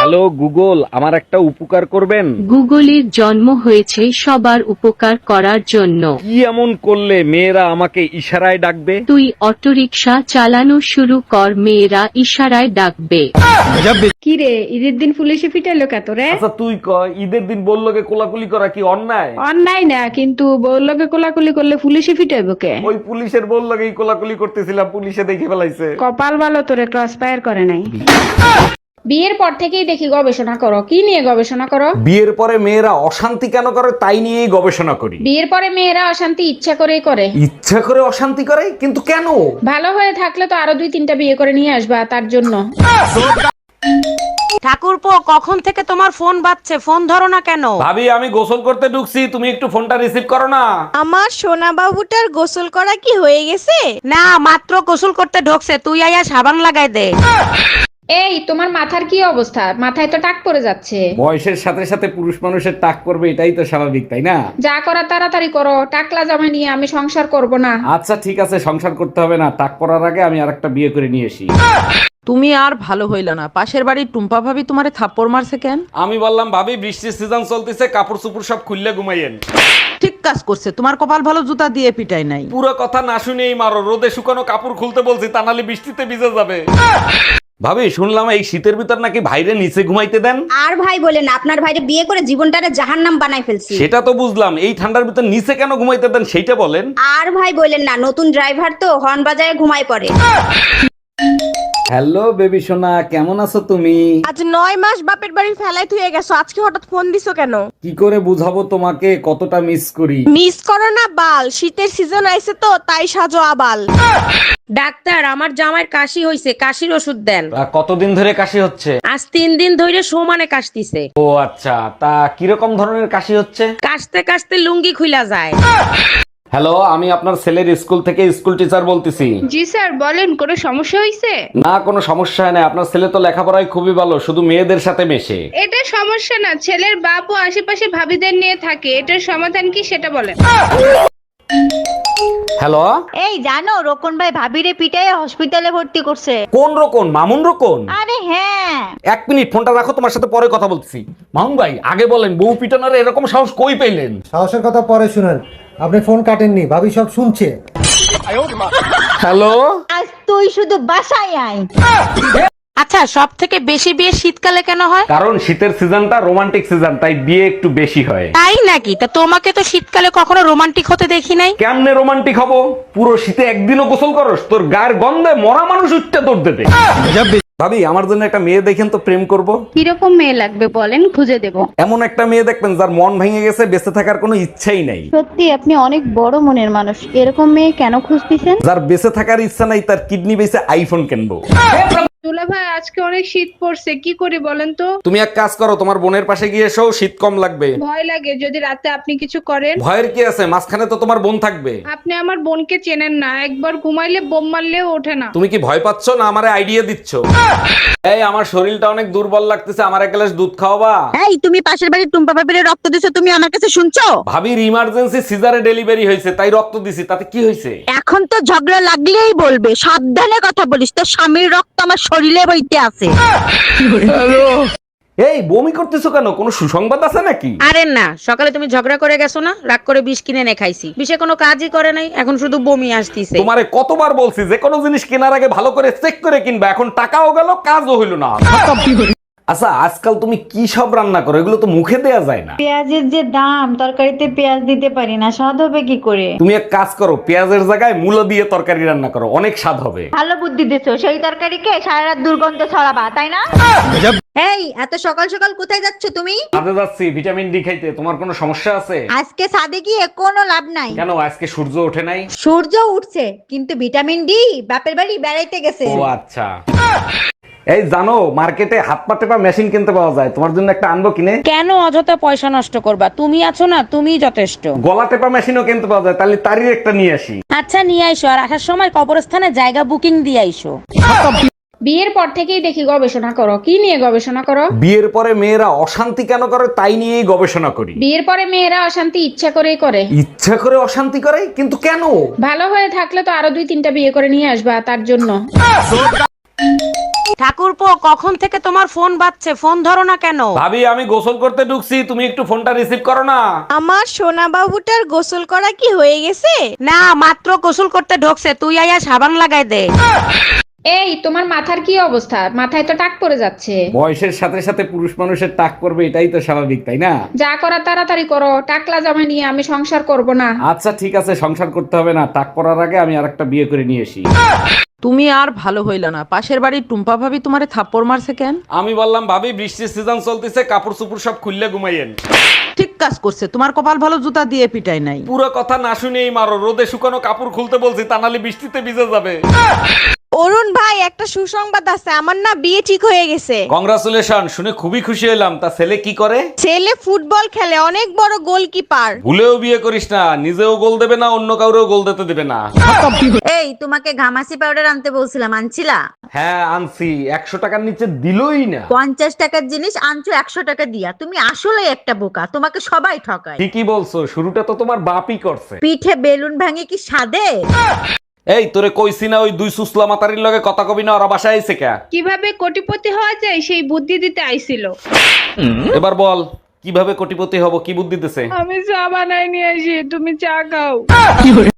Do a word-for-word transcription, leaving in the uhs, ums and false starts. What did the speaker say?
Hello Google, আমার একটা উপকার করবেন? গুগলের জন্ম হয়েছে সবার উপকার করার জন্য। কি এমন করলে মেয়েরা আমাকে ইশারায় ডাকবে? তুই অটোরিকশা চালানো শুরু কর, মেয়েরা ইশারায় ডাকবে। কি রে, ঈদের দিন পুলিশে পিটাইলো কে তোরে? আচ্ছা তুই ক, ঈদের দিন বললোকে কোলাকুলি করা কি অন্যায়? অন্যায় না, কিন্তু বউলোকে কোলাকুলি করলে পুলিশে পিটাইবো কে? ওই পুলিশের বললোকেই কোলাকুলি করতেছিলাম, পুলিশে দেখে ফেলাইছে। কপাল ভালো তোরে ক্রস ফায়ার করে নাই। বিয়ের পর থেকেই দেখি গবেষণা করো। কি নিয়ে গবেষণা করো? বিয়ের পরে মেয়েরা অশান্তি কেন করে তাই নিয়েই গবেষণা করি। বিয়ের পরে মেয়েরা অশান্তি ইচ্ছা করেই করে। ইচ্ছা করে অশান্তি করে, কিন্তু কেন? ভালো হয়ে থাকলে তো আরো দুই তিনটা বিয়ে করে নিয়ে আসবা, তার জন্য। ঠাকুরপো, কখন থেকে তোমার ফোন বাজছে, ফোন ধরো না কেন? ভাবি আমি গোসল করতে ঢুকছি, তুমি একটু ফোনটা রিসিভ করো না। আমার সোনা বাবুটার গোসল করা কি হয়ে গেছে? না, মাত্র গোসল করতে ঢোকছে, তুই আয়া সাবান লাগাই দে। এই তোমার মাথার কি অবস্থা? মাথায় তো টাক পড়ে যাচ্ছে। বয়সের সাথে সাথে পুরুষ মানুষের টাক করবে, এটাই তো স্বাভাবিক, তাই না? যা করা তাড়াতাড়ি করো, টাকলা জামা নিয়ে আমি সংসার করব না। আচ্ছা ঠিক আছে, সংসার করতে হবে না, টাক পড়ার আগে আমি আরেকটা বিয়ে করে নিয়ে আসি। তুমি আর ভালো হইল না, পাশের বাড়ির টুম্পা ভাবি তোমারে থাপ্পড় মারছে কেন? আমি বললাম ভাবি বৃষ্টির সিজন চলতেছে, কাপড় চুপড় সব খুললে ঘুমাইয়েন। ঠিক কাজ করছে, তোমার কপাল ভালো, জুতা দিয়ে পিটাই নাই। পুরো কথা না শুনেই মারো, রোদে শুকানো কাপড় খুলতে বলছি, তা নাহলে বৃষ্টিতে ভিজে যাবে। ভাবি শুনলাম এই শীতের ভিতর নাকি ভাইরে নিচে ঘুমাইতে দেন। আর ভাই বলেন, আপনার ভাইরে বিয়ে করে জীবনটারে জাহান্নাম বানাই ফেলছি। সেটা তো বুঝলাম, এই ঠান্ডার ভিতর নিচে কেন ঘুমাইতে দেন সেইটা বলেন। আর ভাই বলেন না, নতুন ড্রাইভার তো হর্ন বাজায় ঘুমায় পড়ে। হ্যালো বেবি সোনা, কেমন আছো তুমি? আজ নয় মাস বাপের বাড়ি ফেলাই থুয়ে গেছো, আজকে হঠাৎ ফোন দিছো কেন? কি করে বুঝাবো তোমাকে কতটা মিস করি। মিস করো না বাল, শীতের সিজন আইছে তো তাই সাজো আবাল। ডাক্তার, আমার জামাইয়ের কাশি হইছে, কাশির ওষুধ দেন। তা কতদিন ধরে কাশি হচ্ছে? আজ তিন দিন ধরে সমানে কাশতিছে। ও আচ্ছা, তা কিরকম ধরনের কাশি হচ্ছে? কাশতে কাশতে লুঙ্গি খুইলা যায়। হ্যালো, আমি আপনার ছেলের স্কুল থেকে স্কুল টিচার বলতেছি। জি স্যার বলেন, কোনো সমস্যা হয়েছে? না কোনো সমস্যা হয় না, আপনার ছেলে তো লেখাপড়ায় খুবই ভালো, শুধু মেয়েদের সাথে মেশে। এটা সমস্যা না, ছেলের বাপ ও আশেপাশে ভাবিদের নিয়ে থাকে, এটার সমাধান কি সেটা বলেন। হ্যালো, এই জানো, রোকন ভাই ভাবিরে পিটাই হসপিটালে ভর্তি করছে। কোন রকম? মামুন রকম? আরে হ্যাঁ। এক মিনিট ফোনটা রাখো, তোমার সাথে পরে কথা বলতেছি। মামুন ভাই আগে বলেন, বউ পিটানোর এরকম সাহস কই পেলেন? সাহসের কথা পরে শুনেন, আপনি ফোন কাটেননি, ভাবি সব শুনছে। হ্যালো, আজ তুই শুধু বাসায় আয়। আচ্ছা, সব থেকে বেশি বিয়ে শীতকালে কেন হয়? কারণ শীতের সিজনটা রোমান্টিক সিজন, তাই বিয়ে একটু বেশি হয়। তাই নাকি? তা তোমাকে তো শীতকালে কখনো রোমান্টিক হতে দেখি নাই। কেমনে রোমান্টিক হবো? পুরো শীতে একদিনও গোসল করস? তোর গায়ের গন্ধে মরা মানুষ উঠতে দৌড় দেবে। ভাবি আমার জন্য একটা মেয়ে দেখেন তো, প্রেম করব। কিরকম মেয়ে লাগবে বলেন, খুঁজে দেব। এমন একটা মেয়ে দেখবেন যার মন ভেঙে গেছে, বেঁচে থাকার কোনো ইচ্ছাই নাই। সত্যি আপনি অনেক বড় মনের মানুষ, এরকম মেয়ে কেন খুঁজতেছেন? যার বেঁচে থাকার ইচ্ছা নাই, তার কিডনি বেঁচে আইফোন কিনবো। দুলা ভাই আজকে অনেক শীত পড়ছে, কি করি বলেন তো? তুমি এক কাজ করো, তোমার বোনের পাশে গিয়ে এসো, শীত কম লাগবে। ভয় লাগে যদি রাতে আপনি কিছু করেন। ভয়ের কি আছে, মাঝখানে তো তোমার বোন থাকবে। আপনি আমার বোনকে চেনেন না, একবার ঘুমাইলে বোম মারলেও ওঠে না। তুমি কি ভয় পাচ্ছ না আমারে আইডিয়া দিচ্ছ? এই আমার শরীরটা অনেক দুর্বল লাগতেছে, আমার এক গ্লাস দুধ খাওয়াবা? এই তুমি পাশের বাড়ির টুম্পা ভাবিরে রক্ত দিছো, তুমি আমার কাছে শুনছো? ভাবির ইমার্জেন্সি সিজারে ডেলিভারি হয়েছে, তাই রক্ত দিছি, তাতে কি হয়েছে? এখন তো ঝগড়া লাগলেই বলবে, সাবধানে কথা বলিস, তোর স্বামীর রক্ত আমার শরীরে বইতে আছে। এই বমি করতেছো কেন, কোনো সুসংবাদ আছে নাকি? আরে না, সকালে তুমি ঝগড়া করে গেছো না, রাগ করে বিষ কিনে এনে খাইছি, বিষে কোনো কাজই করে নাই, এখন শুধু বমি আসতিছে। তোমারে কতবার বলছি যে কোনো জিনিস কেনার আগে ভালো করে চেক করে কিনবা, এখন টাকাও গেল কাজও হইল না। আচ্ছা আজকাল তুমি কি সব রান্না করো, এগুলো তো মুখে দেয়া যায় না। পেঁয়াজের যে দাম, তরকারিতে পেঁয়াজ দিতে পারি না, স্বাদ হবে কি করে? তুমি এক কাজ করো, পেঁয়াজের জায়গায় মূলো দিয়ে তরকারি রান্না করো, অনেক স্বাদ হবে। ভালো বুদ্ধি দিছো, সেই তরকারিকে সারা রাত দুর্গন্ধ ছড়াবা, তাই না? এই এত সকাল সকাল কোথায় যাচ্ছ তুমি? কাজে যাচ্ছি ভিটামিন ডি খাইতে, তোমার কোনো সমস্যা আছে? আজকে ছাদে গিয়ে কোনো লাভ নাই। কেন, আজকে সূর্য ওঠে নাই? সূর্য উঠছে, কিন্তু ভিটামিন ডি বাপের বাড়ি বেড়াইতে গেছে। ও আচ্ছা। এই জানো, মার্কেটে হাত পা টেপা মেশিন কিনতে পাওয়া যায়, তোমার জন্য একটা আনবো কিনে? কেন অযথা পয়সা নষ্ট করবা? তুমি আছো না, তুমিই যথেষ্ট। গলা টেপা মেশিনও কিনতে পাওয়া যায়, তাহলে তারই একটা নিয়ে আসি। আচ্ছা নিয়ে আইসো, আর আসার সময় কবরস্থানে জায়গা বুকিং দিয়ে আইসো। বিয়ের পর থেকেই দেখি গবেষণা করো। কি নিয়ে গবেষণা করো? বিয়ের পরে মেয়েরা অশান্তি কেন করে তাই নিয়েই গবেষণা করি। বিয়ের পরে মেয়েরা অশান্তি ইচ্ছা করেই করে। ইচ্ছা করে অশান্তি করে, কিন্তু কেন? ভালো হয়ে থাকলে তো আরো দুই তিনটা বিয়ে করে নিয়ে আসবা, তার জন্য। ঠাকুরপো কখন থেকে তোমার ফোন বাজছে, ফোন ধরো না কেন? ভাবি আমি গোসল করতে ঢুকছি, তুমি একটু ফোনটা রিসিভ করো না। আমার সোনা বাবুটার গোসল করা কি হয়ে গেছে? না, মাত্র গোসল করতে ঢোকছে, তুই আয়া সাবান লাগাই দে। এই তোমার মাথার কি অবস্থা? মাথায় তো টাক পড়ে যাচ্ছে। বয়সের সাথে সাথে পুরুষ মানুষের টাক করবে, এটাই তো স্বাভাবিক, তাই না? যা করা তাড়াতাড়ি করো, টাকলা জামা নিয়ে আমি সংসার করব না। আচ্ছা ঠিক আছে, সংসার করতে হবে না, টাক পড়ার আগে আমি আরেকটা বিয়ে করে নিয়ে আসি। তুমি আর ভালো হইল না, পাশের বাড়ির টুম্পা ভাবি তোমারে থাপ্পড় মারছে কেন? আমি বললাম ভাবি বৃষ্টির সিজন চলতেছে, কাপড় চোপড় সব খুললে ঘুমাইয়েন। ঠিক কাজ করছে, তোমার কপাল ভালো জুতা দিয়ে পিটাই নাই। পুরো কথা না শুনেই মারো, রোদে শুকানো কাপড় খুলতে বলছি, তা নাহলে বৃষ্টিতে ভিজে যাবে। অরুণ ভাই, একটা সুসংবাদ আছে, আমার না বিয়ে ঠিক হয়ে গেছে। কংগ্রাচুলেশন, শুনে খুবই খুশি হলাম। তা ছেলে কি করে? ছেলে ফুটবল খেলে, অনেক বড় গোলকিপার। ভুলেও বিয়ে করিস না, নিজেও গোল দেবে না, অন্য কাউরেও গোল দিতে দেবে না। এই তোমাকে ঘামাসি পাউডার আনতে বলছিলাম, আনছিলা? হ্যাঁ আনছি, একশো টাকার নিচে দিলই না। পঞ্চাশ টাকার জিনিস আনছো একশো টাকা দিয়া, তুমি আসলে একটা বোকা, তোমাকে সবাই ঠকায়। ঠিকই বলছো, শুরুটা তো তোমার বাপই করছে। পিঠে বেলুন ভাঙে কি সাদে? এই তোরে কইছি না ওই দুই সুসলা মাতারির লগে কথা কবি না, ওরা বাসায় আইছে কে? কিভাবে কোটিপতি হওয়া যায় সেই বুদ্ধি দিতে আইছিল। এবার বল কিভাবে কোটিপতি হব, কি বুদ্ধি দিতেছে? আমি চা বানাই নিয়ে আসি, তুমি চা খাও।